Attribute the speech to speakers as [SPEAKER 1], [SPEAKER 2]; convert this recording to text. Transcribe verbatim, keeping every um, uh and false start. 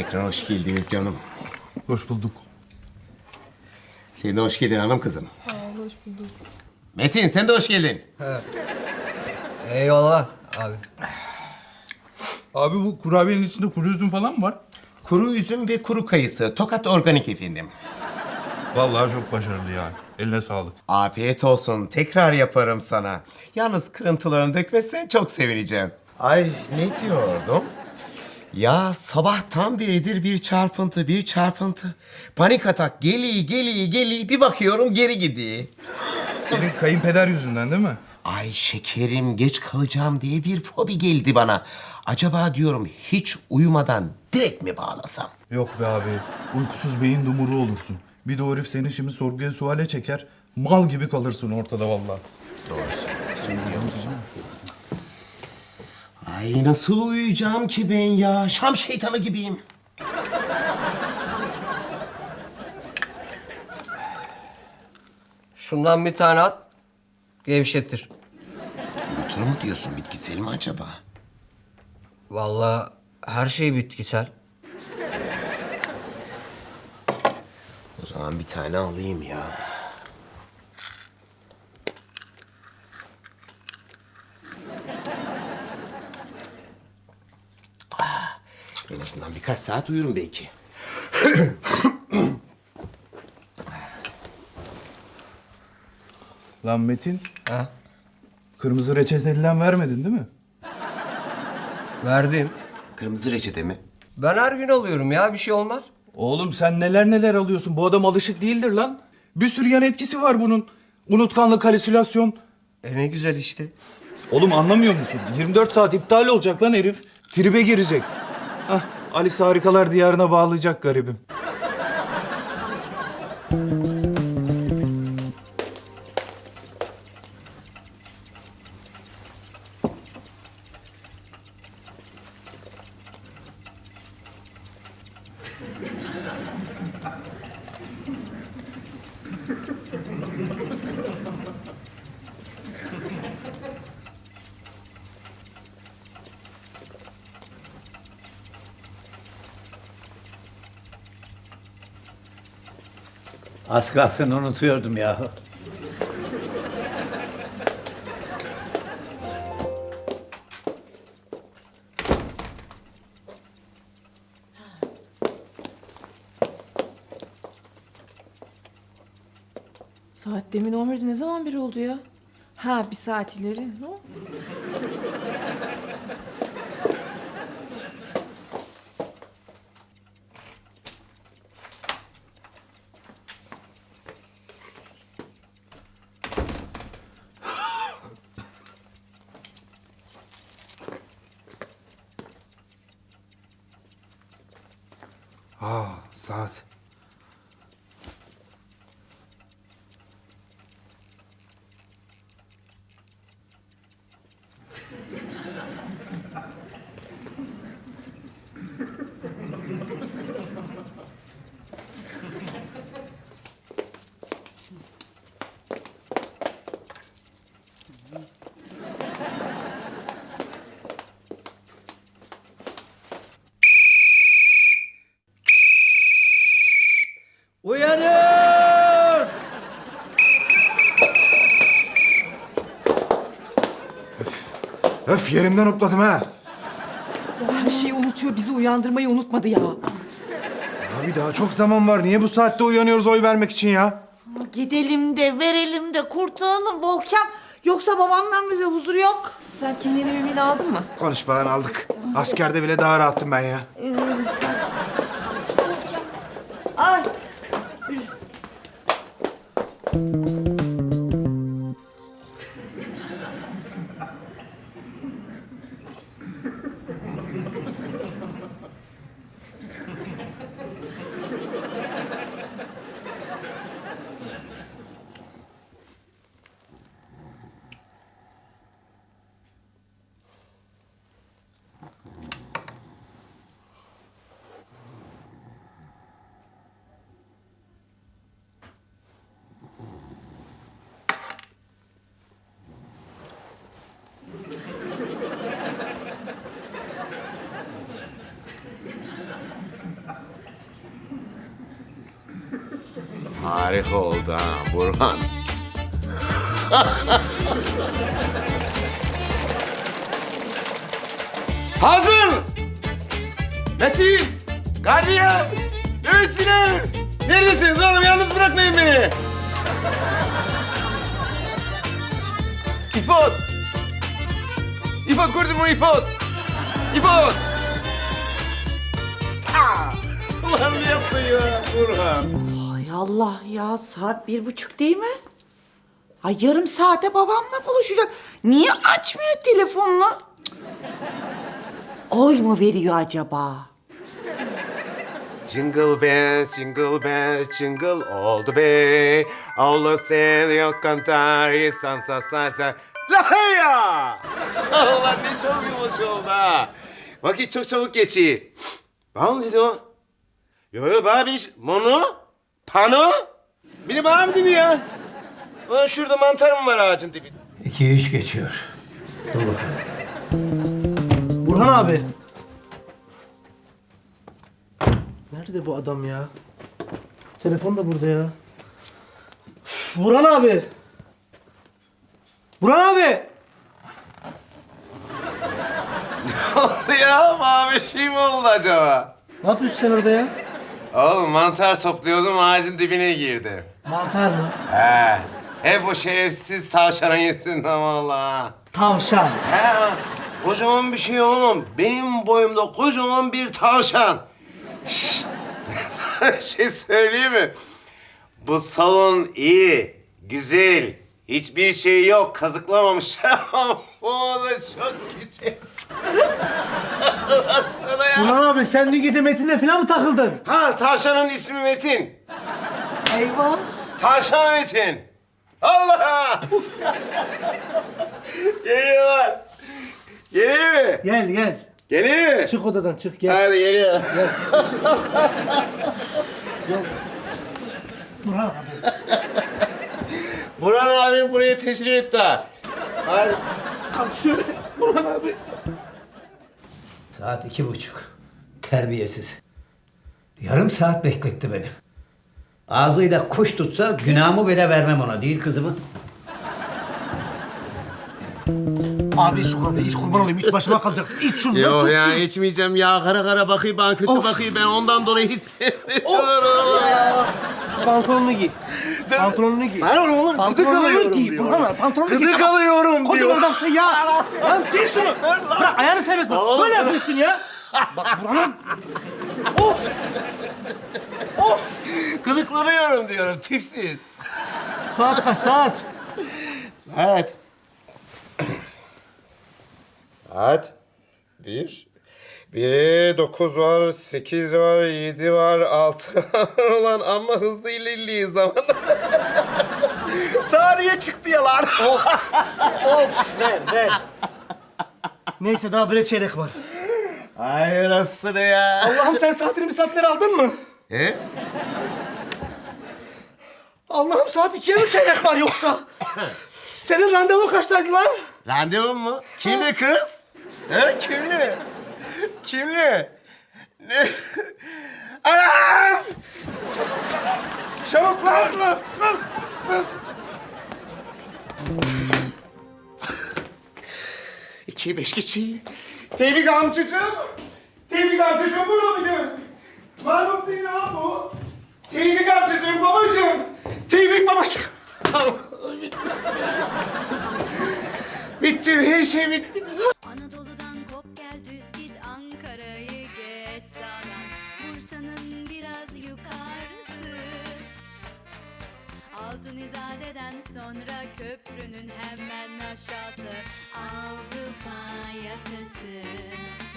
[SPEAKER 1] Tekrar hoş geldiniz canım.
[SPEAKER 2] Hoş bulduk.
[SPEAKER 1] Sen de hoş geldin hanım kızım.
[SPEAKER 3] Sağ ol, hoş bulduk.
[SPEAKER 1] Metin sen de hoş geldin.
[SPEAKER 4] Eyvallah abi.
[SPEAKER 2] Abi bu kurabiyenin içinde kuru üzüm falan mı var?
[SPEAKER 1] Kuru üzüm ve kuru kayısı. Tokat organik efendim.
[SPEAKER 2] Vallahi çok başarılı yani. Eline sağlık.
[SPEAKER 1] Afiyet olsun. Tekrar yaparım sana. Yalnız kırıntılarını dökmezsen çok sevineceğim. Ay ne diyordum? Ya sabahtan beridir bir çarpıntı, bir çarpıntı. Panik atak geliyor, geliyor, geliyor. Bir bakıyorum geri gidiyor.
[SPEAKER 2] Senin kayınpeder yüzünden değil mi?
[SPEAKER 1] Ay şekerim geç kalacağım diye bir fobi geldi bana. Acaba diyorum hiç uyumadan direkt mi bağlasam?
[SPEAKER 2] Yok be abi. Uykusuz beyin dumuru olursun. Bir de o herif seni şimdi sorguya suale çeker. Mal gibi kalırsın ortada vallahi.
[SPEAKER 1] Doğru söylüyorsun biliyor musun? Ay nasıl uyuyacağım ki ben ya? Şam şeytanı gibiyim.
[SPEAKER 4] Şundan bir tane at. Gevşetir.
[SPEAKER 1] Uyutur mu diyorsun? Bitkisel mi acaba?
[SPEAKER 4] Vallahi her şey bitkisel.
[SPEAKER 1] O zaman bir tane alayım ya. Ah, en azından birkaç saat uyurum belki.
[SPEAKER 2] Lan Metin,
[SPEAKER 4] Ha?
[SPEAKER 2] kırmızı reçetelinden vermedin değil mi?
[SPEAKER 4] Verdim.
[SPEAKER 1] Kırmızı reçete mi?
[SPEAKER 4] Ben her gün alıyorum ya, bir şey olmaz.
[SPEAKER 2] Oğlum sen neler neler alıyorsun. Bu adam alışık değildir lan. Bir sürü yan etkisi var bunun. Unutkanlık, halüsinasyon.
[SPEAKER 4] E ne güzel işte.
[SPEAKER 2] Oğlum anlamıyor musun? yirmi dört saat iptal olacak lan herif. Tribe girecek. Hah, Alice Harikalar Diyarı'na bağlayacak garibim.
[SPEAKER 5] Az kalsın unutuyordum ya.
[SPEAKER 3] Saat demin on birde ne zaman bir oldu ya? Ha, bir saat ileri. Ne?
[SPEAKER 6] Aa, saat.
[SPEAKER 4] Uyanın!
[SPEAKER 6] Öf yerimden hopladım ha.
[SPEAKER 3] Ya her şeyi unutuyor, bizi uyandırmayı unutmadı ya.
[SPEAKER 6] Abi daha çok zaman var. Niye bu saatte uyanıyoruz oy vermek için ya?
[SPEAKER 7] Gidelim de verelim de kurtulalım Volkan. Yoksa babamdan bize huzur yok.
[SPEAKER 3] Sen kimliğini mimliğini aldın mı?
[SPEAKER 6] Konuş bana aldık. Askerde bile daha rahattım ben ya.
[SPEAKER 7] Ay.
[SPEAKER 1] harika oldu ha Burhan. Hazır! Metin! Gardiyan! Nöbetçiler! Neredesiniz oğlum? Yalnız bırakmayın beni! İfot! İfot gördün mü İfot? İfot! Aa! Ulan ne yaptın ya Burhan?
[SPEAKER 7] Ay Allah ya saat bir buçuk değil mi? Ay yarım saate babamla buluşacak. Niye açmıyor telefonunu? Cık. Oy mu veriyor acaba?
[SPEAKER 1] Jingle bells, jingle bells, jingle all the way. Allah seviyor cantar y salsa salsa. La ya! Allah ne çabuk yumuş oldu ha. Vakit çok çabuk geçiyor. Bana mı dedi o? Yo yo bana bir mono, pano. Biri bana mı dedi ya? Ulan şurada mantar mı var ağacın dibinde?
[SPEAKER 5] İki üç geçiyor. Dur bakalım.
[SPEAKER 8] Burhan abi. Nerede bu adam ya? Telefon da burada ya. Üf, Burhan abi. Burhan abi.
[SPEAKER 1] Ne oldu ya? Bana bir şey mi oldu acaba?
[SPEAKER 8] Ne yapıyorsun sen orada ya?
[SPEAKER 1] Oğlum mantar topluyordum ağacın dibine girdi.
[SPEAKER 8] Mantar mı?
[SPEAKER 1] He. Hep o şerefsiz tavşanın yüzünden vallahi.
[SPEAKER 8] Tavşan.
[SPEAKER 1] He. Kocaman bir şey oğlum. Benim boyumda kocaman bir tavşan. Şşş. Sana bir şey söyleyeyim mi? Bu salon iyi, güzel. Hiçbir şey yok. Kazıklamamışlar ama bu oda çok küçük. Baksana ya.
[SPEAKER 8] Burhan abi sen dün gece Metin'le falan mı takıldın?
[SPEAKER 1] Ha tavşanın ismi Metin.
[SPEAKER 7] Eyvah.
[SPEAKER 1] Tavşan Metin. Allah! Geliyorlar. Geliyor mu?
[SPEAKER 8] Gel gel.
[SPEAKER 1] Geliyor mu?
[SPEAKER 8] Çık odadan çık gel.
[SPEAKER 1] Hadi geliyor.
[SPEAKER 8] Burhan abi.
[SPEAKER 1] Burhan abi buraya teşrif etti ha. Hadi.
[SPEAKER 8] Kalk şöyle. Burhan abi.
[SPEAKER 5] Saat iki buçuk. Terbiyesiz. Yarım saat bekletti beni. Ağzıyla kuş tutsa günahımı bile vermem ona, değil kızımı?
[SPEAKER 8] Abi şu kahve iç kurban olayım. İç başıma kalacaksın. İç şunu.
[SPEAKER 1] Yok
[SPEAKER 8] tut
[SPEAKER 1] ya
[SPEAKER 8] şunu.
[SPEAKER 1] içmeyeceğim ya. Kara kara bakıyor bana kötü bakıyor. Ben ondan dolayı hissediyorum.
[SPEAKER 8] Şu pantolonunu giy. Pantolonunu giy.
[SPEAKER 1] Ben onu oğlum gıdık
[SPEAKER 8] Pantolonunu
[SPEAKER 1] alıyorum
[SPEAKER 8] giy.
[SPEAKER 1] diyor.
[SPEAKER 8] Burhan abi pantolonunu giy.
[SPEAKER 1] Gıdık alıyorum diyor.
[SPEAKER 8] Kocaman adamsın ya. Lan giy şunu. Bırak ayağını serbest bak.
[SPEAKER 1] Oğlum,
[SPEAKER 8] Böyle
[SPEAKER 1] bırak.
[SPEAKER 8] yapıyorsun ya. Bak Burhan abi. Of. Of.
[SPEAKER 1] Gıdıklanıyorum diyorum tipsiz.
[SPEAKER 8] Saat kaç saat?
[SPEAKER 1] Saat. Saat. Bir. Biri dokuz var, sekiz var, yedi var, altı var. Ulan amma hızlı ilerliyor zaman. Saniye çıktı ya lan.
[SPEAKER 8] Of ver ver. Neyse daha bir çeyrek var.
[SPEAKER 1] Ay nasıl ya?
[SPEAKER 8] Allah'ım sen saatini bir saatleri aldın mı?
[SPEAKER 1] He?
[SPEAKER 8] Allah'ım saat ikiye mi çeyrek var yoksa? Senin randevun kaçtaydı lan?
[SPEAKER 1] Randevum mu? Kimli kız? He kimli? Kimli? Ne? Anam! Çabuk lan! lan, lan, lan. İki beş geçiyor. Tevfik amcacığım! Tevfik amcacığım burada mıydı? Mahmut değil ha bu. Tevfik amcacığım, babacığım. Tevfik babacığım. bitti. Bitti, her şey bitti.
[SPEAKER 9] Anadolu'dan kop gel düz git Ankara'yı geç sağdan Bursa'nın biraz yukarısı Altın İzade'den sonra köprünün hemen aşağısı Avrupa yakası